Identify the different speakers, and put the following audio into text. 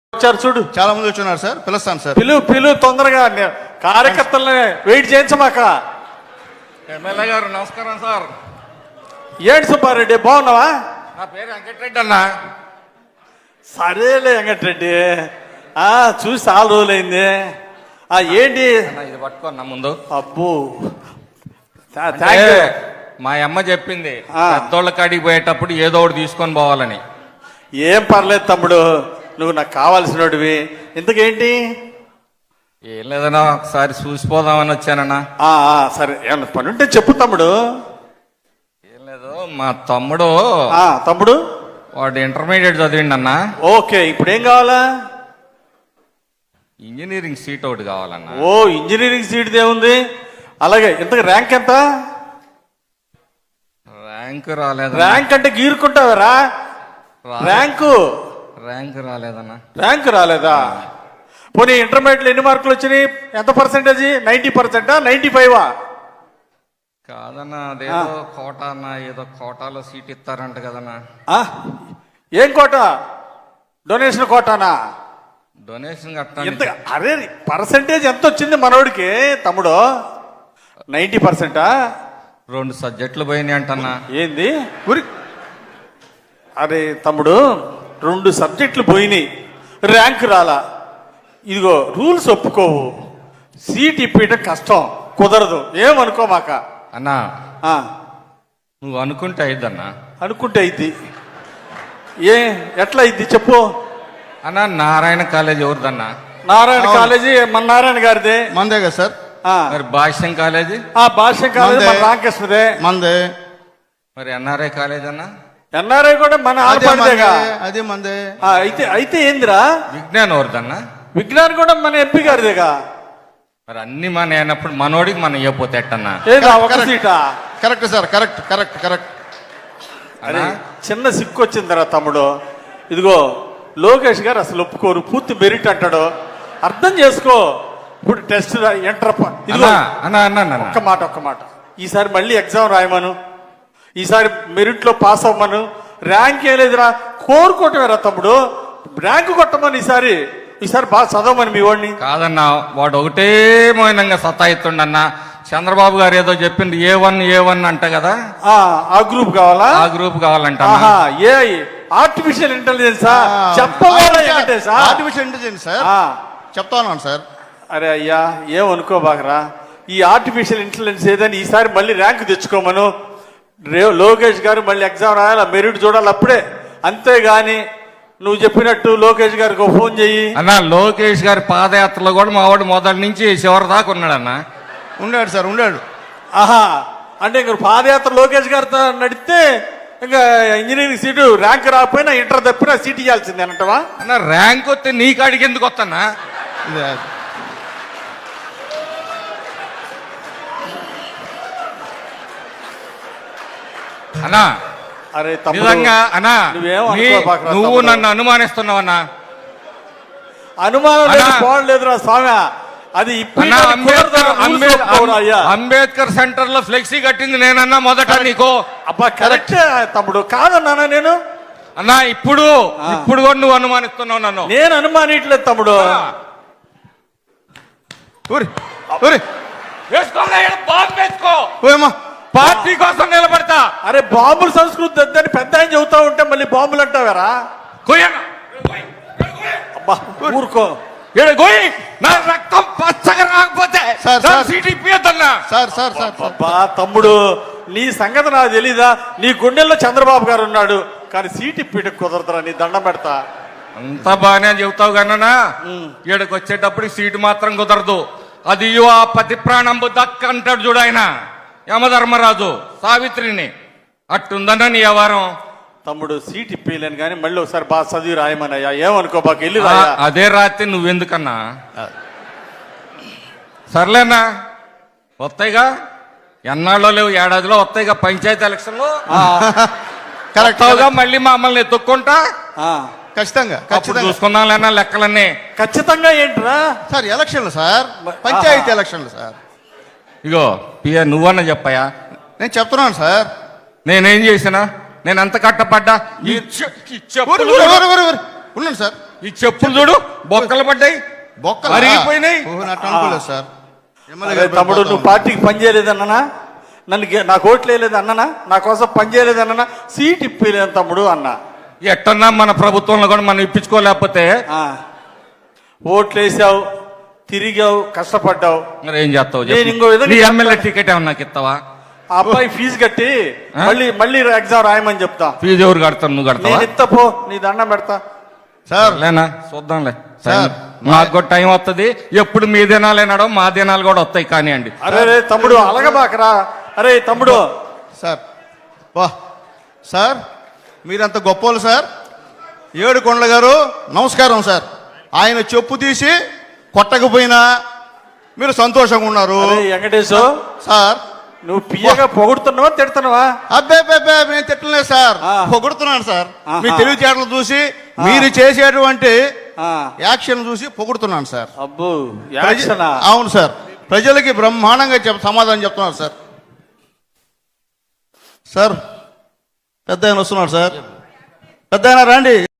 Speaker 1: వచ్చారు చూడు,
Speaker 2: చాలా మంది వచ్చున్నారు సార్. పిలుస్తాను సార్.
Speaker 1: పిలు తొందరగా కార్యకర్తల్ని వెయిట్ చేయించమాక.
Speaker 3: ఎమ్మెల్యే గారు నమస్కారం సార్.
Speaker 1: ఏంటి సుబ్బారెడ్డి, బాగున్నావా?
Speaker 3: నా పేరు వెంకటరెడ్డి అన్న.
Speaker 1: సరేలే వెంకటరెడ్డి, చూసి చాలా రోజులైంది. ఏంటి
Speaker 3: ఇది పట్టుకోన్నా ముందు.
Speaker 1: అబ్బో
Speaker 3: మా అమ్మ చెప్పింది పెద్దోళ్ళ కాడికి పోయేటప్పుడు ఏదో ఒకటి తీసుకొని పోవాలని.
Speaker 1: ఏం పర్లేదు తమ్ముడు, నువ్వు నాకు కావాల్సినోడివి. ఇంతకేంటి?
Speaker 3: ఏం లేదన్నా, ఒకసారి చూసిపోదామని వచ్చానన్నా.
Speaker 1: సరే, ఏమన్నా పని ఉంటే చెప్పు తమ్ముడు.
Speaker 3: ఏం లేదు, మా తమ్ముడు
Speaker 1: తమ్ముడు
Speaker 3: వాడు ఇంటర్మీడియట్ చదివిండి అన్న.
Speaker 1: ఓకే, ఇప్పుడు ఏం కావాలా?
Speaker 3: ఇంజనీరింగ్ సీట్ ఒకటి కావాలన్నా.
Speaker 1: ఓ, ఇంజనీరింగ్ సీట్ ఏముంది? అలాగే, ఇంతకు ర్యాంక్ ఎంత?
Speaker 3: ర్యాంక్ రాలేదు.
Speaker 1: ర్యాంక్ అంటే గీరుకుంటావరా? ర్యాంక్
Speaker 3: రాలేదన్నా.
Speaker 1: ర్యాంక్ రాలేదా? పోనీ ఇంటర్మీడియట్ ఎన్ని మార్కులు వచ్చినాయి? ఎంత పర్సెంటేజ్? 90%, 95?
Speaker 3: కాదన్నా, అదేదో కోటా అన్న, ఏదో కోటాలో సీట్ ఇస్తారంట కదన్నా.
Speaker 1: ఏం కోట? డొనేషన్ కోటానా?
Speaker 3: డొనేషన్
Speaker 1: ఎంత? అరే, పర్సెంటేజ్ ఎంత వచ్చింది మనోడికి తమ్ముడు? 90%?
Speaker 3: 2 సబ్జెక్టులు పోయినాయి అంటన్నా.
Speaker 1: ఏంది? అరే తమ్ముడు, 2 సబ్జెక్టులు పోయినాయి, ర్యాంక్ రాలా. ఇదిగో రూల్స్ ఒప్పుకోవు, సీట్ ఇప్పేయటం కష్టం, కుదరదు. ఏమనుకోమాక
Speaker 3: అన్నా. నువ్వు అనుకుంటే అయిద్దన్నా.
Speaker 1: అనుకుంటే అయింది. ఎట్లా అయింది చెప్పు
Speaker 3: అన్నా. నారాయణ కాలేజ్ ఎవరిదన్నా?
Speaker 1: నారాయణ కాలేజీ మన నారాయణ గారిదే.
Speaker 2: మందే కదా సార్.
Speaker 3: మరి భాష్యం కాలేజీ?
Speaker 1: భాష్యం కాలేజీ మన రామకృష్ణదే.
Speaker 2: మందే.
Speaker 3: మరి ఎన్ఆర్ఐ కాలేజ్ అన్నా?
Speaker 1: ఎన్ఆర్ఐ కూడా మన ఆడపడిదేగా.
Speaker 2: అదే మందే.
Speaker 1: అయితే ఏందిరా?
Speaker 3: విజ్ఞానం ఎవరిదన్నా?
Speaker 1: విజ్ఞానం కూడా మన ఎంపీ గారిదేగా.
Speaker 3: మరి అన్ని మన అయినప్పుడు మనోడికి మనం ఇవ్వపోతే ఎట్టన్నా?
Speaker 1: ఒక సీటా?
Speaker 2: Correct sir, correct correct correct.
Speaker 1: అరే, చిన్న సిక్కు వచ్చిందిరా తమ్ముడు. ఇదిగో లోకేష్ గారు అసలు ఒప్పుకోరు, పూర్తి మెరిట్ అంటాడు. అర్థం చేసుకో. ఇప్పుడు టెస్ట్ ఎంటర్ ఒక్క మాట, ఈసారి మళ్ళీ ఎగ్జామ్ రాయమను, ఈసారి మెరిట్ లో పాస్ అవ్వమను. ర్యాంక్ ఏం లేదురా, కోరుకోవటమేరా తమ్ముడు. ర్యాంక్ కొట్టమని ఈసారి బాగా చదవమని మీ వాడిని.
Speaker 3: కాదన్నా, వాడు ఒకటే మౌనంగా సతాయిస్తుండన్నా. చంద్రబాబు గారు ఏదో చెప్పింది A1 అంట కదా.
Speaker 1: ఆ గ్రూప్ కావాలా?
Speaker 3: ఆ గ్రూప్ కావాలంట.
Speaker 1: ఆర్టిఫిషియల్ ఇంటెలిజెన్సా?
Speaker 2: ఆర్టిఫిషియల్ ఇంటెలిజెన్స్ సార్, చెప్తా ఉన్నాను సార్.
Speaker 1: అరే అయ్యా, ఏమనుకోబాకరా. ఈ ఆర్టిఫిషియల్ ఇంటెలిజెన్స్ ఏదని ఈసారి మళ్ళీ ర్యాంక్ తెచ్చుకోమను. లోకేష్ గారు మళ్ళీ ఎగ్జామ్ రాయాలి, మెరిట్ చూడాలి అప్పుడే. అంతేగాని నువ్వు చెప్పినట్టు లోకేష్ గారికి ఫోన్ చెయ్యి
Speaker 3: అన్నా. లోకేష్ గారి పాదయాత్రలో కూడా మా వాడు మొదటి నుంచి చివరి దాకా ఉన్నాడన్నా.
Speaker 2: ఉన్నాడు సార్, ఉన్నాడు.
Speaker 1: అంటే ఇంక పాదయాత్ర లోకేష్ గారితో నడిస్తే ఇంకా ఇంజనీరింగ్ సీటు ర్యాంక్ రాకపోయినా ఇంటర్ తప్పినా సీట్ ఇవ్వాల్సిందే అంటవా?
Speaker 3: అన్న, ర్యాంక్ వస్తే నీ కాడికి ఎందుకు వస్తానా? అన్నా,
Speaker 1: అరే
Speaker 3: నిజంగా అన్నా, నువ్వు నన్ను అనుమానిస్తున్నావన్నా.
Speaker 1: అనుమానం లేదురా స్వామి. అది
Speaker 3: అంబేద్కర్ సెంటర్ లో ఫ్లెక్సీ కట్టింది నేనన్నా మొదట నీకు.
Speaker 1: అబ్బా కరెక్ట్ తమ్ముడు, కాదన్నా నేను.
Speaker 3: అన్నా, ఇప్పుడు కూడా నువ్వు అనుమానిస్తున్నావు నన్ను.
Speaker 1: నేను అనుమానిట్లేదు తమ్ముడు.
Speaker 3: పార్టీ కోసం నిలబడతా.
Speaker 1: అరే, బాంబుల సంస్కృతి వద్దని పెద్ద ఆయన చెబుతా ఉంటే మళ్ళీ బాంబులు అంటావారా? అబ్బా ఊరుకో.
Speaker 3: నా రక్తం పచ్చగా రాకపోతే
Speaker 1: అబ్బా తమ్ముడు, నీ సంగతి నాకు తెలీదా? నీ గుండెల్లో చంద్రబాబు గారు ఉన్నాడు, కానీ సీట్ ఇప్పటికి కుదరదురా. నీ దండం పెడతా.
Speaker 3: అంతా బాగానే చెబుతావు కన్నా, ఈడకి వచ్చేటప్పుడు సీటు మాత్రం కుదరదు. అది ఆ పతి ప్రాణంబు దక్క అంటాడు చూడు ఆయన యమధర్మరాజు సావిత్రిని. అట్టుందన్నా నీ వ్యవహారం.
Speaker 1: తమ్ముడు, సీట్ ఇప్పలేను కానీ మళ్ళీ ఒకసారి బాగా చదివి రాయమనయ్యా. ఏమనుకో బాగా వెళ్ళి రాయా.
Speaker 3: అదే రాత్రి నువ్వెందుకన్నా? సర్లేనా, వస్తాయిగా. ఎన్నాళ్ళలో లేవు, ఏడాదిలో వస్తాయిగా పంచాయతీ ఎలక్షన్లు. కరెక్ట్గా మళ్ళీ మమ్మల్ని ఎత్తుక్కుంటా.
Speaker 2: ఖచ్చితంగా
Speaker 3: చూసుకుందాం లేనా లెక్కలన్నీ.
Speaker 1: ఖచ్చితంగా ఏంట్రా
Speaker 2: సార్? ఎలక్షన్లు సార్, పంచాయతీ ఎలక్షన్లు సార్.
Speaker 3: ఇగో పియ, నువ్వన్నా చెప్పాయా?
Speaker 2: నేను చెప్తున్నాను సార్.
Speaker 3: నేనేం చేసినా? నేను ఎంత కట్టపడ్డా?
Speaker 2: ఉన్నాను సార్.
Speaker 3: ఈ చెప్పులు చూడు బొక్కలు పడ్డాయి
Speaker 2: బొక్కలు
Speaker 3: అరిగిపోయినాయి.
Speaker 2: అట్లా అనుకోలేదు సార్ ఎమ్మెల్యే
Speaker 1: అరే
Speaker 2: గారు
Speaker 1: తమ్ముడు నువ్వు పార్టీకి పని చేయలేదన్నానా, నాకు ఓట్లు వేయలేదు అన్నానా, నా కోసం పని చేయలేదు అన్నానా, సీట్ ఇప్పలేదు తమ్ముడు అన్నా.
Speaker 3: ఎట్టన్నా మన ప్రభుత్వంలో కూడా మనం ఇప్పించుకోలేకపోతే
Speaker 1: ఆ, ఓట్లు వేసావు, తిరిగావు, కష్టపడ్డావు.
Speaker 3: మరి ఏం చేస్తావు
Speaker 1: నేను ఇంకో విధంగా
Speaker 3: నీ ఎమ్మెల్యే టికెట్ ఏమన్నా నాకు ఇస్తావా?
Speaker 1: ఆ అబ్బాయి ఫీజు కట్టి మళ్ళీ ఎగ్జామ్ రాయమని చెప్తా.
Speaker 3: ఫీజు ఎవరు కడతారు? నువ్వు కడతావా?
Speaker 1: నేను ఇస్తా పో, నీ దండం పెడతా.
Speaker 2: సార్
Speaker 3: లేనా చూద్దాంలే
Speaker 2: సార్,
Speaker 3: నాకు కూడా టైం వస్తుంది. ఎప్పుడు మీ దినాలు ఏనాడో మా దినాలు కూడా వస్తాయి కానివ్వండి.
Speaker 1: అరే రే తమ్ముడు అలగబాకరా. అరే తమ్ముడు
Speaker 2: సార్ వా సార్ మీరంత గొప్పోళ్ళు సార్. ఏడుకొండల గారు నమస్కారం సార్. ఆయన చెప్పు తీసి కొట్టకపోయినా మీరు సంతోషంగా ఉన్నారు
Speaker 1: అరే వెంకటేశు,
Speaker 2: సార్.
Speaker 1: నువ్వు పియ్యగా పొగుడుతున్నావా తిడుతున్నావా?
Speaker 2: అబ్బే నేను తిట్టలేదు సార్,
Speaker 1: ఆ.
Speaker 2: పొగుడుతున్నాను సార్.
Speaker 1: ఆహా.
Speaker 2: మీ తెలివితేటలు చూసి మీరు చేసేటువంటి
Speaker 1: ఆ,
Speaker 2: యాక్షన్ చూసి పొగుడుతున్నాను సార్.
Speaker 1: అబ్బో యాక్షనా?
Speaker 2: అవును సార్, ప్రజలకి బ్రహ్మాండంగా సమాధానం చెప్తున్నారు సార్. సార్ పెద్ద ఆయన వస్తున్నాడు సార్, పెద్ద ఆయన రండి.